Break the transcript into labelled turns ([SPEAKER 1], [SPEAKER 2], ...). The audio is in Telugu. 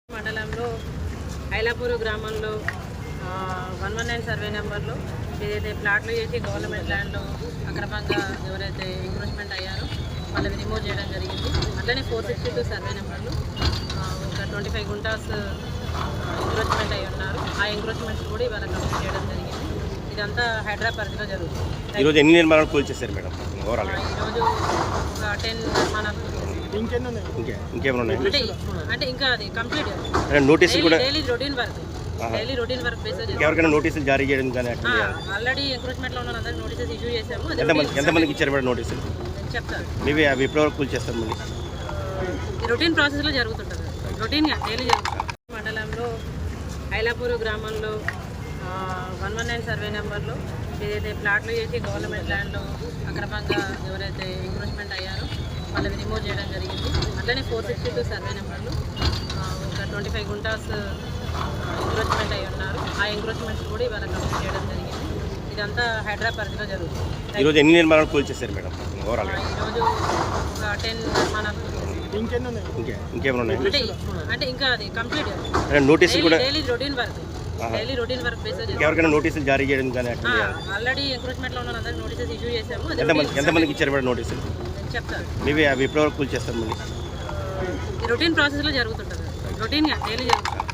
[SPEAKER 1] మండలంలో ఐలాపూర్ గ్రామంలో 119 సర్వే నెంబర్లో ఏదైతే ప్లాట్లు చేసి గవర్నమెంట్ ల్యాండ్లో అక్రమంగా ఎవరైతే ఎంక్రోచ్మెంట్ అయ్యారో వాళ్ళని రిమూవ్ చేయడం జరిగింది. అట్లనే 462 సర్వే నెంబర్లు ఒక 25 గుంటాస్ ఎంక్రోచ్మెంట్ అయ్యి ఉన్నారు. ఆ ఎంక్రోచ్మెంట్స్ కూడా ఇవాళ కంప్లీట్ చేయడం జరిగింది. ఇదంతా హైదరాబాద్ పరిధిలో జరుగుతుంది.
[SPEAKER 2] ఈరోజు ఎన్ని నిర్మాణాలు కూల్చేశారు మేడం? ఓవరాల్గా
[SPEAKER 1] ఈరోజు ఒక 10 నిర్మాణాలు
[SPEAKER 2] ఇంకేమైనా ఉన్నాయి
[SPEAKER 1] అంటే ఇంకా అది కంప్లీట్
[SPEAKER 2] నోటీసులు కూడా
[SPEAKER 1] డైలీ రొటీన్ వర్క్ బేసిస్
[SPEAKER 2] ఎవరికైనా నోటీసులు జారీ చేయడం కానీ అట్లా
[SPEAKER 1] ఆల్రెడీ ఎంక్రోచ్మెంట్ లో ఉన్న అందరికి నోటీసెస్ ఇష్యూ చేశాము.
[SPEAKER 2] ఎంతమందికి ఇచ్చారు మేడం నోటీసులు?
[SPEAKER 1] చెప్తారు
[SPEAKER 2] మేబీ అవి ఎప్పటివరకు కూల్చేస్తారు మళ్ళీ?
[SPEAKER 1] రొటీన్ ప్రాసెస్ లో జరుగుతుంటుంది, రొటీన్ గా డైలీ జరుగుతుంది. మండలంలో ఐలాపూర్ గ్రామంలో 119 సర్వే నెంబర్లో ఏదైతే ప్లాట్లు చేసి గవర్నమెంట్ ల్యాండ్లో అక్రమంగా ఎవరైతే ఎంక్రోచ్మెంట్ అయ్యారో వాళ్ళని రిమూవ్ చేయడం జరిగింది. అట్లనే 462 సర్వే నెంబర్లు ఒక 25 గుంటాస్ ఎంక్రోచ్మెంట్ అయ్యి ఉన్నారు. ఆ ఎంక్రోచ్మెంట్స్ కూడా ఇవాళ కంప్లీట్ చేయడం జరిగింది. ఇదంతా హైదరాబాద్ పరిధిలో జరుగుతుంది.
[SPEAKER 2] ఈరోజు ఎన్ని నిర్మాణాలు కూల్చేశారు మేడం? ఓవరాల్గా
[SPEAKER 1] ఈరోజు ఒక 10 నిర్మాణాలు
[SPEAKER 2] ఇంకేమైనా ఉన్నాయి
[SPEAKER 1] అంటే ఇంకా అది కంప్లీట్
[SPEAKER 2] నోటీసులు కూడా
[SPEAKER 1] డైలీ రొటీన్ వర్క్ బేసిస్
[SPEAKER 2] ఎవరికైనా నోటీసులు జారీ చేయడం కానీ అట్లా
[SPEAKER 1] ఆల్రెడీ ఎంక్రోచ్మెంట్ లో ఉన్న అందరికి నోటీసెస్ ఇష్యూ చేశాము.
[SPEAKER 2] ఎంతమందికి ఇచ్చారు మేడం నోటీసులు?
[SPEAKER 1] చెప్తారు
[SPEAKER 2] మేబీ అవి ఎప్పటివరకు కూల్చేస్తారు మళ్ళీ?
[SPEAKER 1] రొటీన్ ప్రాసెస్ లో జరుగుతుంటుంది, రొటీన్ గా డైలీ జరుగుతుంది.